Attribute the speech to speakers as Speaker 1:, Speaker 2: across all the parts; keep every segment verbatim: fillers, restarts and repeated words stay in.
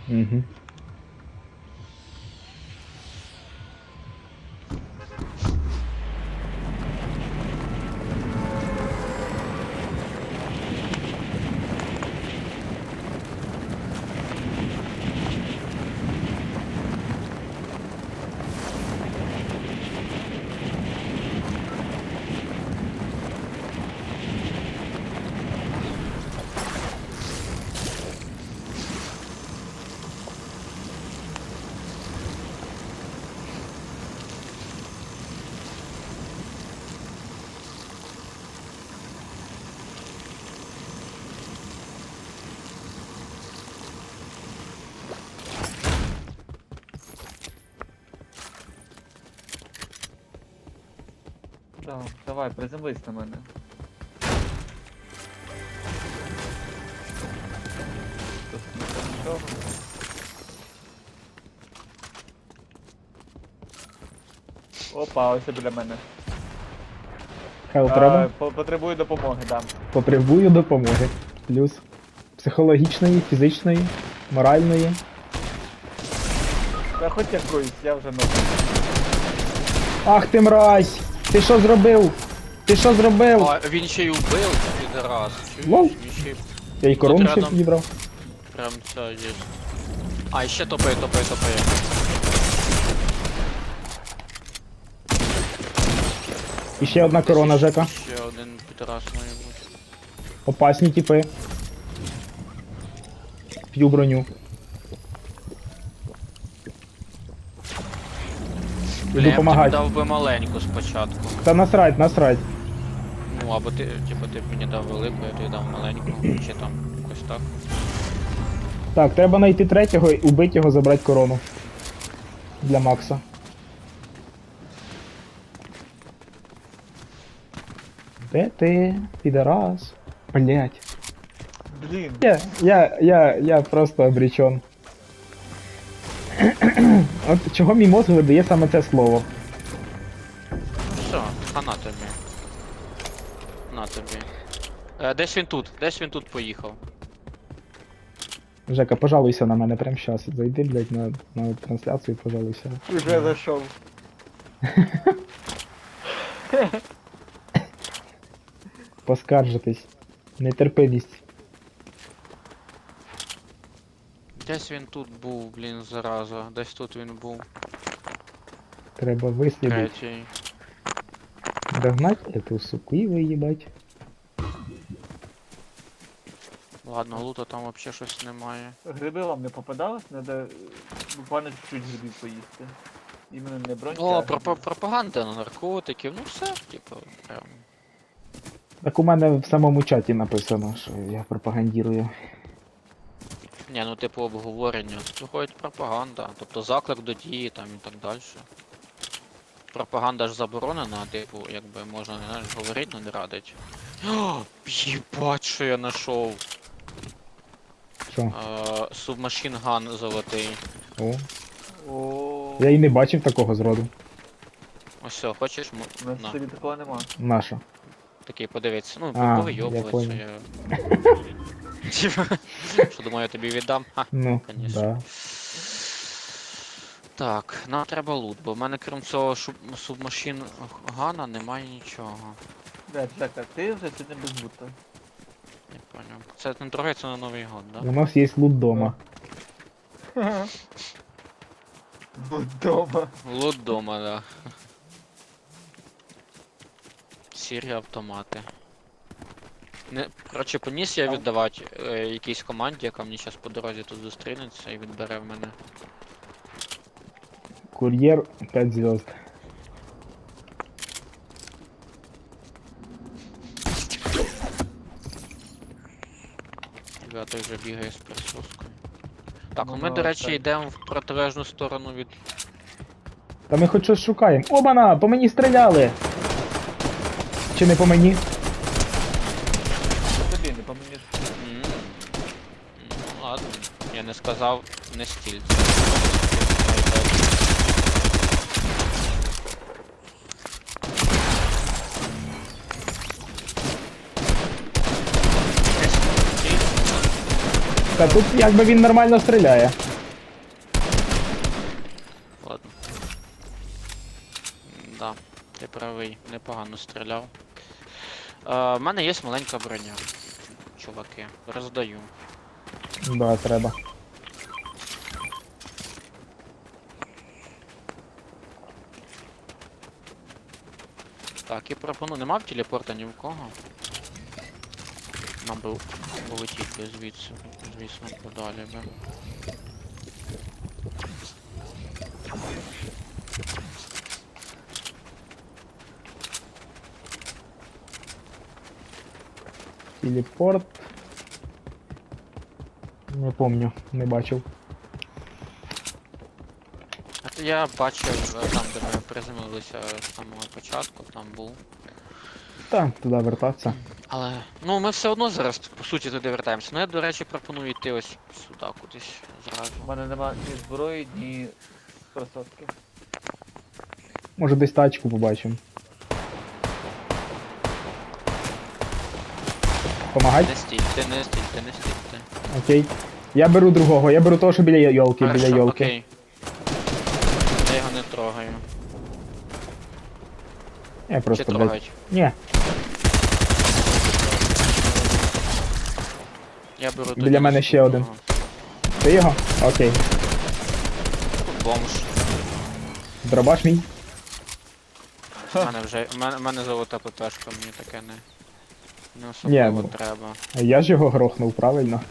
Speaker 1: Угу.
Speaker 2: Да, давай, приземлись на мене. Тут нічого. Опа, ось біля мене.
Speaker 1: Хел треба?
Speaker 2: А, по- потребую допомоги, да.
Speaker 1: Потребую допомоги. Плюс психологічної, фізичної, моральної.
Speaker 2: Та хоч якоюсь, я вже ногу.
Speaker 1: Ах ти мразь! Ти що зробив? Ти що зробив?
Speaker 3: А він ще й убив, підраз.
Speaker 1: Лол.
Speaker 3: Він ще й
Speaker 1: Я й корону
Speaker 3: Тут
Speaker 1: ще
Speaker 3: рядом.
Speaker 1: підібрав.
Speaker 3: прям це є. А, і ще топає, топає, топає.
Speaker 1: І ще одна корона, Жека.
Speaker 3: Ще один підраз має бути.
Speaker 1: Опасні тіпи. П'ю броню.
Speaker 3: Бля,
Speaker 1: Іду
Speaker 3: я б тобі
Speaker 1: помагати.
Speaker 3: дав би маленьку спочатку.
Speaker 1: Та насрать, насрать.
Speaker 3: Ну, або ти, типу, ти б мені дав велику, я тобі дав маленьку, чи там якось так.
Speaker 1: Так, треба знайти третього, і убити його, забрати корону. Для Макса. Де ти, підарас? Блять.
Speaker 2: Блін,
Speaker 1: Я, я, я, я просто обречен. От чого мій мозг видає саме це слово?
Speaker 3: Все, а на тобі. На тобі. Е, десь він тут, десь він тут поїхав.
Speaker 1: Жека, пожалуйся на мене прямо щас. Зайди, блядь, на, на трансляцію і пожалуйся.
Speaker 2: вже зайшов.
Speaker 1: Поскаржитись. Нетерпимість.
Speaker 3: Десь він тут був, блін, зараза. Десь тут він був.
Speaker 1: Треба вислідити.
Speaker 3: Третій.
Speaker 1: Догнать эту суку і виїбать.
Speaker 3: Ладно, лута там вообще щось немає.
Speaker 2: Гриби вам не попадалось? Треба буквально чуть-чуть грибів поїсти. Іменно не бронька.
Speaker 3: О,
Speaker 2: а
Speaker 3: пропа-
Speaker 2: гриби.
Speaker 3: пропаганда на наркотиків, ну все, типу, прям.
Speaker 1: Так у мене в самому чаті написано, що я пропагандірую.
Speaker 3: Ні, ну типу обговорення. Тут виходить пропаганда, тобто заклик до дії там і так далі. Пропаганда ж заборонена, типу, якби можна не знаєш, говорити, але не радить. О, їбать, що я знайшов.
Speaker 1: Що?
Speaker 3: Е, Субмашин ган золотий.
Speaker 1: О.
Speaker 2: О,
Speaker 1: Я і не бачив такого зроду.
Speaker 3: Ось все, хочеш, м-
Speaker 2: у нас
Speaker 3: на,
Speaker 2: собі такого нема.
Speaker 1: Наша.
Speaker 3: такий подивитися. Ну,
Speaker 1: А,
Speaker 3: повийобуватися
Speaker 1: я
Speaker 3: я. Що думаю, я тобі віддам? Ха.
Speaker 1: Ну,
Speaker 3: Конечно.
Speaker 1: да.
Speaker 3: Так, нам треба лут, бо в мене крім цього шуб... субмашин гана немає нічого.
Speaker 2: Да, Жека, ти вже сьогодні без бута.
Speaker 3: Не поняв. Це не торгається на Новий год,
Speaker 1: У
Speaker 3: да?
Speaker 1: нас є лут дома.
Speaker 2: Дома.
Speaker 3: Лут дома, да. Сірі автомати. Не, коротше, поніс я віддавати е, якійсь команді, яка мені зараз по дорозі тут зустрінеться і відбере в мене.
Speaker 1: Кур'єр п'ять звезд.
Speaker 3: Ребята вже бігає з присоскою. Так, ну
Speaker 2: Ну,
Speaker 3: ми,
Speaker 2: ну,
Speaker 3: до речі,
Speaker 2: так.
Speaker 3: йдемо в протилежну сторону від.
Speaker 1: Та ми хоч щось шукаємо. Обана! По мені стріляли! Чи не по мені?
Speaker 2: Тобі не поміж.
Speaker 3: М. Ну ладно, я не сказав не стіль.
Speaker 1: Та тут якби він нормально стріляє.
Speaker 3: Ти правий, непогано стріляв. Е, в мене є маленька броня. Чуваки, роздаю.
Speaker 1: Да, треба.
Speaker 3: Так, і пропоную. Нема в телепорта ні в кого. Нам би полетіти звідси, звісно, подалі би.
Speaker 1: Телепорт. Не помню, не бачив.
Speaker 3: А то я бачив е, там, де ми приземлилися з самого початку, там був.
Speaker 1: Та, туди вертатися.
Speaker 3: Але, ну ми все одно зараз, по суті, туди вертаємося. Ну я, до речі, пропоную йти ось сюди кудись зразу.
Speaker 2: У мене нема ні зброї, ні кросовки.
Speaker 1: Може десь тачку побачимо. Помагать?
Speaker 3: Не стій, ти не стій, ти не стій, ти.
Speaker 1: Окей. Я беру другого, я беру того, що біля йолки, біля
Speaker 3: Хорошо,
Speaker 1: йолки.
Speaker 3: окей. Я його не трогаю.
Speaker 1: Я
Speaker 3: Чи
Speaker 1: просто, блядь.
Speaker 3: трогають?
Speaker 1: Ні,
Speaker 3: Я беру
Speaker 1: Біля
Speaker 3: тоді
Speaker 1: мене ще один.
Speaker 3: наступного.
Speaker 1: ти його? Окей.
Speaker 3: Тут бомж.
Speaker 1: Дробаш мій?
Speaker 3: У мене вже. У мене, у мене золота ППшка, мені таке не. Не
Speaker 1: Ні,
Speaker 3: особливо
Speaker 1: ну.
Speaker 3: треба.
Speaker 1: А я ж його грохнув, правильно?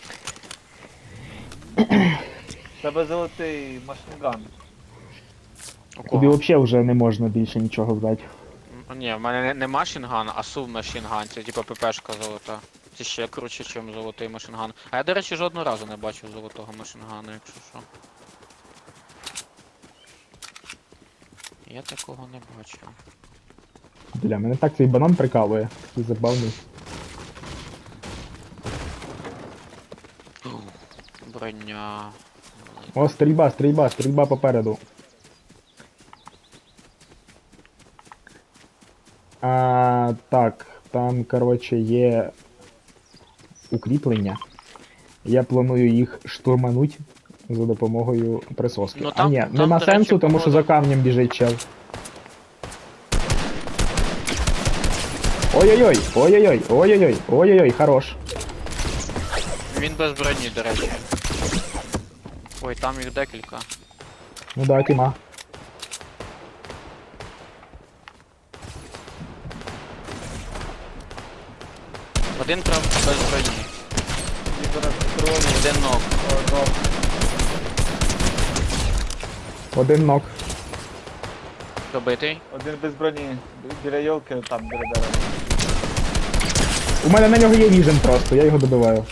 Speaker 2: В тебе золотий машинган.
Speaker 3: У
Speaker 1: Тобі
Speaker 3: кого?
Speaker 1: взагалі вже не можна більше нічого взяти.
Speaker 3: М, Ні, в мене не, не машинган, а субмашинган. Це типа ППшка золота. Це ще круче, ніж золотий машинган. А я, до речі, жодного разу не бачив золотого машингана, якщо що. Я такого не бачив.
Speaker 1: Бля, мене так цей банан прикалує. Такий забавний.
Speaker 3: Броня.
Speaker 1: О, стрільба, стрільба, стрільба попереду. А, так, там, коротше, є укріплення. Я планую їх штурмануть за допомогою присоски.
Speaker 3: Ну,
Speaker 1: а
Speaker 3: там-
Speaker 1: ні,
Speaker 3: там,
Speaker 1: нема
Speaker 3: до речі,
Speaker 1: сенсу, тому що за
Speaker 3: погода.
Speaker 1: камнем біжить чел. Ой-ой-ой, ой-ой-ой, ой-ой-ой, ой-ой-ой, хорош.
Speaker 3: Він без броні, до речі. Ой, там їх декілька.
Speaker 1: Ну да, тіма.
Speaker 3: Один прям без броні.
Speaker 2: І зараз крові.
Speaker 3: Один ног.
Speaker 2: Одно.
Speaker 1: Один нок.
Speaker 3: Добитий.
Speaker 2: Один без броні. Біля йолки, там біля дерева.
Speaker 1: У мене на нього є віжен просто, я його добиваю.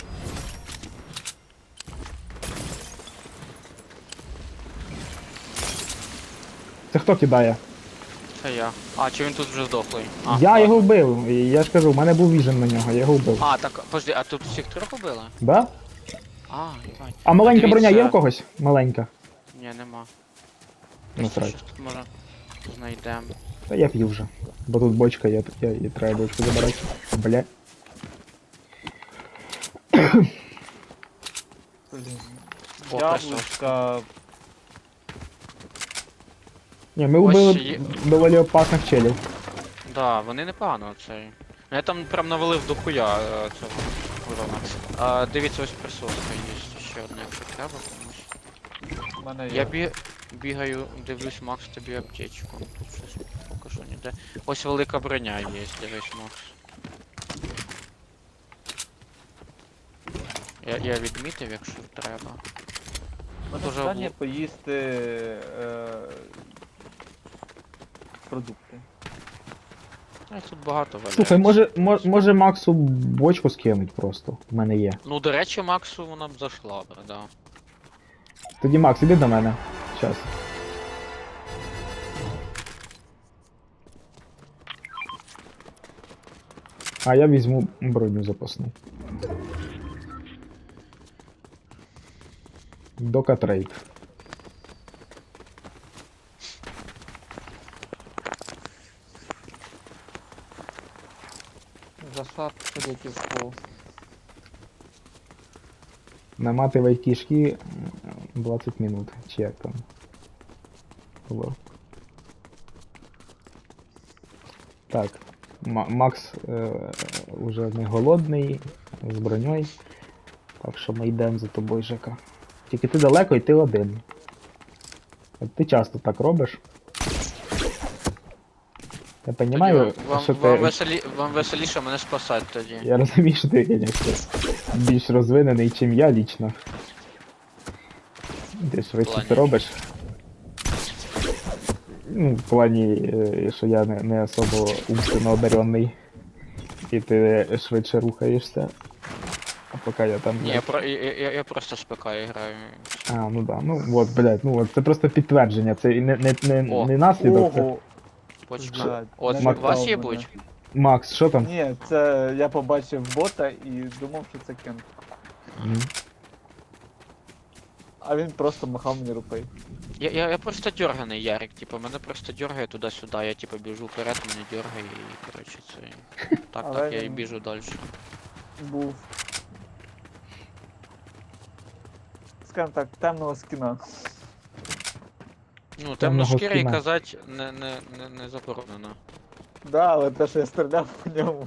Speaker 1: Це хто кидає?
Speaker 3: Це я. А, чи він тут вже здохлий? А,
Speaker 1: я
Speaker 3: ладно.
Speaker 1: його вбив, і я ж кажу, у мене був віжен на нього, я його вбив.
Speaker 3: А, так, подожди, а тут всіх трьох убили?
Speaker 1: Да?
Speaker 3: А, їбать.
Speaker 1: А маленька броня є
Speaker 3: Дивіться.
Speaker 1: в когось? Маленька.
Speaker 3: Ні, нема.
Speaker 1: Ну,
Speaker 3: Щось
Speaker 1: срать.
Speaker 3: тут може знайдемо.
Speaker 1: Та я п'ю вже. Бо тут бочка є, я, і треба бочку забирати. Бля.
Speaker 2: Блін.
Speaker 3: О,
Speaker 2: Яблучка.
Speaker 1: Ні, ми
Speaker 3: Ось
Speaker 1: вбили
Speaker 3: є.
Speaker 1: доволі опасних челів.
Speaker 3: Да, вони непогано цей. Ну, я там прям навалив до хуя е, цього урона. А, дивіться, ось присоска є ще одна, якщо треба комусь.
Speaker 2: У мене є.
Speaker 3: Я бі... бігаю, дивлюсь, Макс, тобі аптечку. Тут щось поки що ніде. Ось велика броня є, дивись, Макс. Я, я відмітив, якщо треба.
Speaker 2: У мене
Speaker 3: дуже
Speaker 2: питання
Speaker 3: обл-
Speaker 2: поїсти е, продукти.
Speaker 3: А тут багато валяється.
Speaker 1: Слухай, може, мо- може Максу бочку скинуть просто. В мене є.
Speaker 3: Ну, до речі, Максу вона б зайшла б, да.
Speaker 1: Тоді Макс, іди до мене. Щас. А я візьму броню запасну. Дока трейд.
Speaker 2: Засад ходять в пол.
Speaker 1: Наматывай кишки двадцять минут. Чи як там? Було. Так. Ма- Макс е, уже не голодний, з броньою. Так що ми йдемо за тобою, Жека. Тільки ти далеко і ти один. От ти часто так робиш. Я
Speaker 3: Тоді
Speaker 1: розумію,
Speaker 3: вам,
Speaker 1: що
Speaker 3: вам, вам,
Speaker 1: ти.
Speaker 3: веселі, вам веселіше мене спасати тоді.
Speaker 1: Я розумію, що ти, звісно, більш розвинений, чим я лічно. Ти швидше
Speaker 3: плані?
Speaker 1: це робиш. Ну, в плані, е, що я не, не особо умственно одарений. І ти швидше рухаєшся. А поки я там.
Speaker 3: Ні, я, про, я, я, я просто з ПК граю.
Speaker 1: А, ну да, ну от, блядь, ну от, це просто підтвердження, це не, не, не,
Speaker 3: О.
Speaker 1: не наслідок. Це...
Speaker 2: Ого!
Speaker 3: Почка.
Speaker 2: Блядь,
Speaker 3: От
Speaker 2: не
Speaker 3: у вас
Speaker 2: лякав
Speaker 3: є
Speaker 2: мене.
Speaker 3: будь?
Speaker 1: Макс, що там?
Speaker 2: Ні, це я побачив бота і думав, що це кент.
Speaker 1: Мгм.
Speaker 2: А він просто махав мені рукою.
Speaker 3: Я, я, я просто дерганий, Ярик, типу, мене просто дергає туди-сюди, я типу біжу вперед, мене дергає і коротше це. Так,
Speaker 2: Але
Speaker 3: так, я і
Speaker 2: він-
Speaker 3: біжу далі.
Speaker 2: Був. Скажем так, темного скіна.
Speaker 3: Ну,
Speaker 1: Темного
Speaker 3: темношкірий
Speaker 1: скіна.
Speaker 3: казати не, не, не, не заборонено.
Speaker 2: Да, але те, що я стріляв по ньому.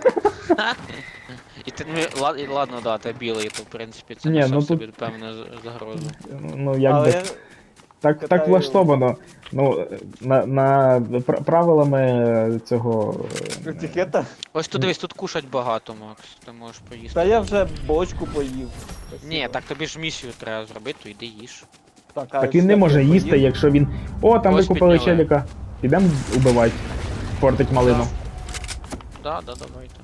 Speaker 3: І ти, ну, ла- і ладно, да, ти білий, то в принципі це
Speaker 1: Ні,
Speaker 3: несе
Speaker 1: ну
Speaker 3: в собі
Speaker 1: тут-
Speaker 3: певну з- загрозу.
Speaker 1: Ну, якби.
Speaker 2: Але я...
Speaker 1: Так, так
Speaker 2: катаю-
Speaker 1: влаштовано. Ну, на, на пр- правилами цього. е,
Speaker 2: Етикета.
Speaker 3: Ось тут дивись, тут кушать багато, Макс. Ти можеш поїсти.
Speaker 2: Та я вже бочку поїв.
Speaker 3: Ні, так тобі ж місію треба зробити, то йди їж.
Speaker 2: Так, а
Speaker 1: Так він не
Speaker 2: як
Speaker 1: може
Speaker 2: я
Speaker 1: їсти,
Speaker 2: поїв?
Speaker 1: якщо він. О, там
Speaker 3: Ось
Speaker 1: викупили
Speaker 3: підняли.
Speaker 1: челіка. Підемо убивати. Портить малину.
Speaker 3: Да, да, давайте.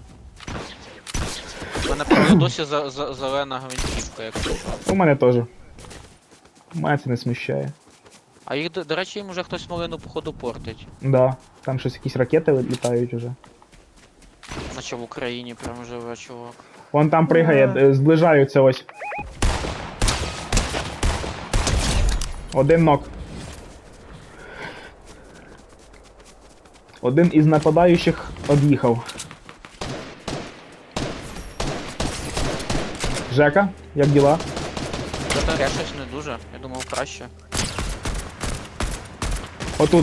Speaker 3: У мене правда досі за, за, зелена гвинтівка, якщо що.
Speaker 1: У мене теж. Мене це не смущає.
Speaker 3: А їх, до, до речі, їм уже хтось малину походу портить.
Speaker 1: Да. Там щось якісь ракети літають уже.
Speaker 3: Наче в Україні прям живе чувак.
Speaker 1: Вон там пригає,
Speaker 2: Ага.
Speaker 1: е, зближаються ось. Один нок. Один із нападаючих од'їхав. Жека, як діла?
Speaker 3: Зате я щось не дуже, я думав краще.
Speaker 1: Отут.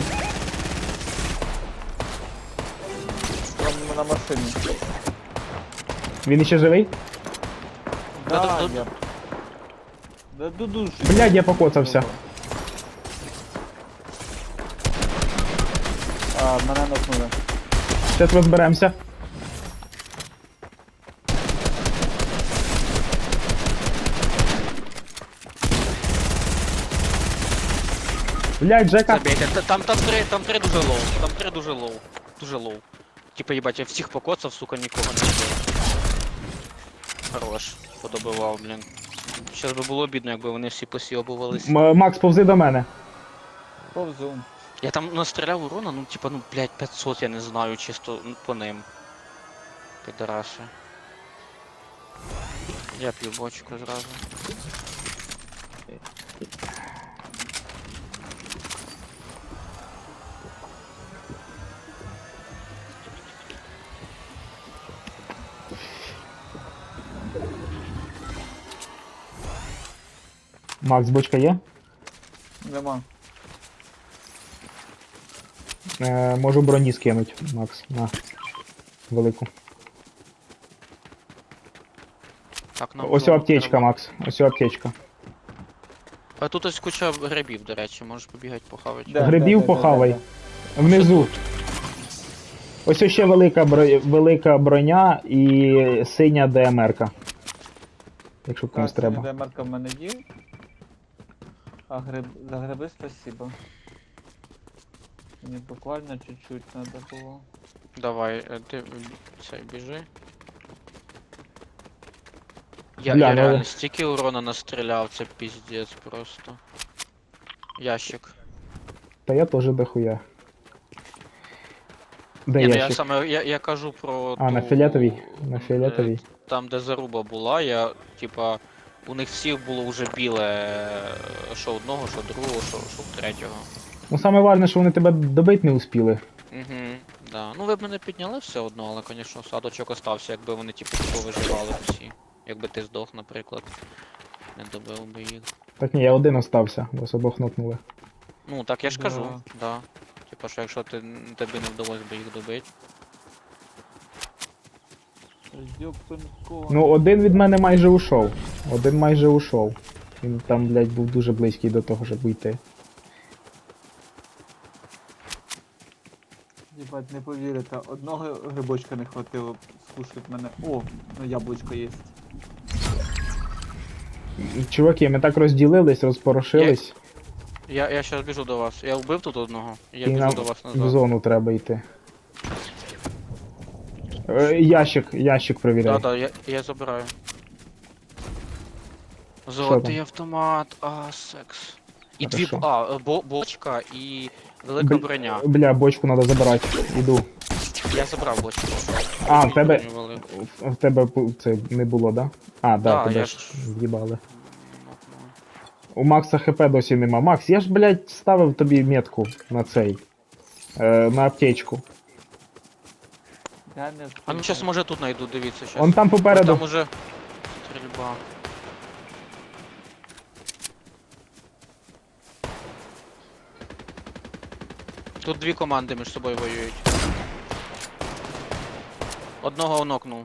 Speaker 2: Там на машині.
Speaker 1: Він іще живий?
Speaker 3: Да,
Speaker 2: Да,
Speaker 3: да,
Speaker 2: я... Да дудуші.
Speaker 1: Блядь, я покоцався.
Speaker 2: А, мене нокнули.
Speaker 1: Зараз розберемося. Блядь, Жека.
Speaker 3: Забейте, Та- там, там три, там три дуже лоу, там три дуже лоу. Дуже лоу. Типа, їбать, я всіх покоцав, сука, нікого не вбив. Хорош, подобивав, блін. Щас би було бідно, якби вони всі посіобувались.
Speaker 1: М- Макс, повзи до мене.
Speaker 2: Повзу.
Speaker 3: Я там настріляв урона, ну типа, ну блядь, п'ятсот, я не знаю, чисто ну, по ним. Підараси. Я п'ю бочку зразу.
Speaker 1: Макс, бочка є?
Speaker 2: Нема.
Speaker 1: Е, можу броні скинуть, Макс, на. Велику.
Speaker 3: Так, нам
Speaker 1: Ось
Speaker 3: знову
Speaker 1: аптечка,
Speaker 3: треба.
Speaker 1: Макс. Ось аптечка.
Speaker 3: А тут ось куча грибів, до речі, можеш побігати похавати.
Speaker 2: Де,
Speaker 1: Грибів
Speaker 2: де, де, де,
Speaker 1: похавай.
Speaker 2: де, де?
Speaker 1: Внизу. Ось ще велика, бро... велика броня і синя ДМРка. Якщо комусь
Speaker 2: Так,
Speaker 1: треба.
Speaker 2: демарка в мене є. А гриб... за гриби спасибо. Мені буквально чуть-чуть надо було.
Speaker 3: Давай, е, ти м, цей біжи. Я,
Speaker 1: Бля,
Speaker 3: я
Speaker 1: ну-
Speaker 3: реально стільки урона настріляв, це піздець просто. Ящик.
Speaker 1: Та я теж дохуя. Де
Speaker 3: Ні, ну я
Speaker 1: ящик?
Speaker 3: саме я, я кажу про.
Speaker 1: А, на
Speaker 3: ту,
Speaker 1: фіолетовій? На
Speaker 3: е,
Speaker 1: фіолетовій.
Speaker 3: Там, де заруба була, я, типа, у них всіх було вже біле, е, що одного, що другого, що, що третього.
Speaker 1: Ну саме важне, що вони тебе добити не успіли.
Speaker 3: Угу, да. Ну ви б мене підняли все одно, але, звісно, садочок остався, якби вони, типу, повиживали всі. Якби ти здох, наприклад. Не добив би їх.
Speaker 1: Так ні, я один остався, вас обох нокнули.
Speaker 3: Ну, так я ж
Speaker 2: Да.
Speaker 3: кажу, да. типу, що якщо ти, тобі не вдалося би їх добити.
Speaker 2: Ёптунько.
Speaker 1: Ну, один від мене майже ушов. Один майже ушов. Він там, блядь, був дуже близький до того, щоб уйти.
Speaker 2: Єбать, не повірите, одного грибочка не хватило скушать мене. О, ну яблучко є.
Speaker 1: Чуваки, ми так розділились, розпорошились,
Speaker 3: Я, я щас біжу до вас. Я вбив тут одного, і я
Speaker 1: і
Speaker 3: біжу
Speaker 1: нам
Speaker 3: до вас
Speaker 1: в
Speaker 3: назад.
Speaker 1: зону треба йти. Е, Ящик, ящик перевіряй.
Speaker 3: Да, да, я, я забираю.
Speaker 1: там?
Speaker 3: Золотий автомат, а, секс. І дві,
Speaker 1: Хорошо.
Speaker 3: б- а, е, бо, бочка і велика
Speaker 1: Бл-
Speaker 3: броня.
Speaker 1: Бля, бочку треба забирати. Іду.
Speaker 3: Я забрав бочку.
Speaker 1: А,
Speaker 3: І
Speaker 1: в тебе-
Speaker 3: броню велику.
Speaker 1: В в тебе пу- це не було, да? А, да,
Speaker 3: Да,
Speaker 1: тебе
Speaker 3: я
Speaker 1: ж
Speaker 3: ж-
Speaker 1: з'їбали.
Speaker 3: Ну, ну.
Speaker 1: У Макса ХП досі нема. Макс, я ж, блядь, ставив тобі метку на цей. Е, на аптечку.
Speaker 2: Я не
Speaker 3: А ну
Speaker 2: встигаю.
Speaker 3: щас може тут найду, дивіться щас.
Speaker 1: Он там
Speaker 3: Ось
Speaker 1: попереду.
Speaker 3: там уже стрільба. Тут дві команди між собою воюють. Одного нокнув.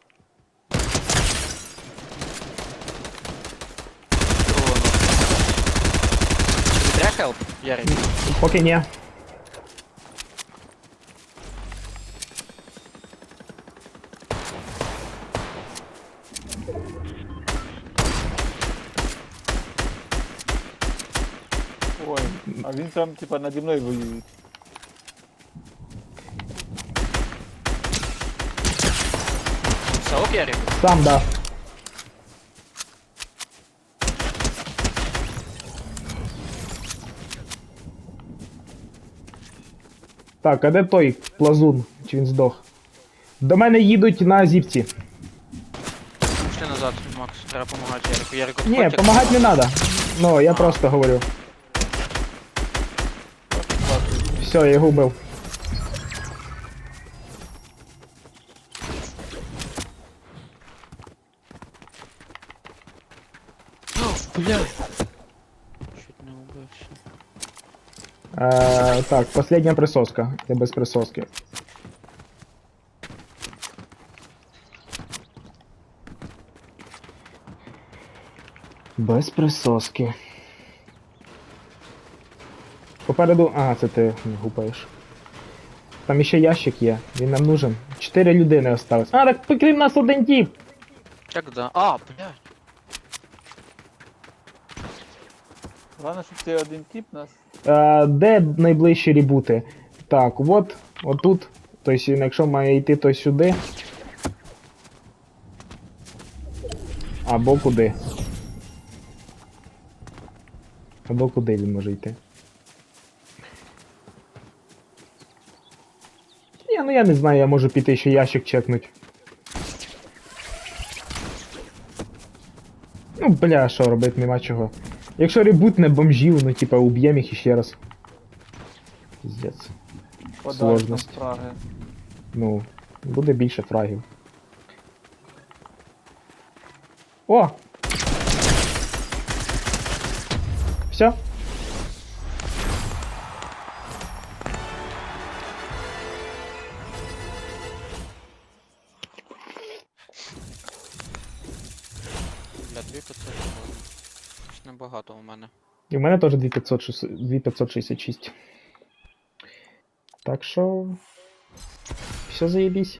Speaker 3: Другого нокнув. Тобі треба хелп, Ярик?
Speaker 1: Поки ні.
Speaker 2: Ой, а він там типа наді мною воює.
Speaker 3: Все ок, Ярик?
Speaker 1: Сам, да. Так, а де той плазун? Чи він здох? До мене їдуть на зіпці.
Speaker 3: Пішли назад, Макс, треба допомагати Ярику. Ярику,
Speaker 1: Ні,
Speaker 3: відходь, як-
Speaker 1: допомагати не треба. Ну, я
Speaker 3: А.
Speaker 1: просто говорю. Все, я його вбив.
Speaker 3: Бля. Чуть не убився.
Speaker 1: Е, так, последня присоска. Я без присоски. Без присоски. Попереду. Ага, це ти гупаєш. Там іще ящик є, він нам нужен. Чотири людини осталось. А, так покрім нас один тіп!
Speaker 3: Як да? А, блядь.
Speaker 2: Головне, щоб цей один тип нас.
Speaker 1: Е, де найближчі ребути? Так, от, отут. Тобто, якщо має йти, то сюди. Або куди. Або куди він може йти. Ні, ну я не знаю, я можу піти ще ящик чекнуть. Ну, бля, що робити, нема чого. Якщо ребутне бомжів, ну типа уб'єм їх іще раз. Піздець.
Speaker 2: Подальше
Speaker 1: Сложність.
Speaker 2: Праги.
Speaker 1: Ну, буде більше фрагів. О! Все?
Speaker 3: Бля, дві п'ятсот можна. Щось небагато у мене.
Speaker 1: І в мене теж дві п'ятсот шістдесят шість. Так що. Все заєбісь.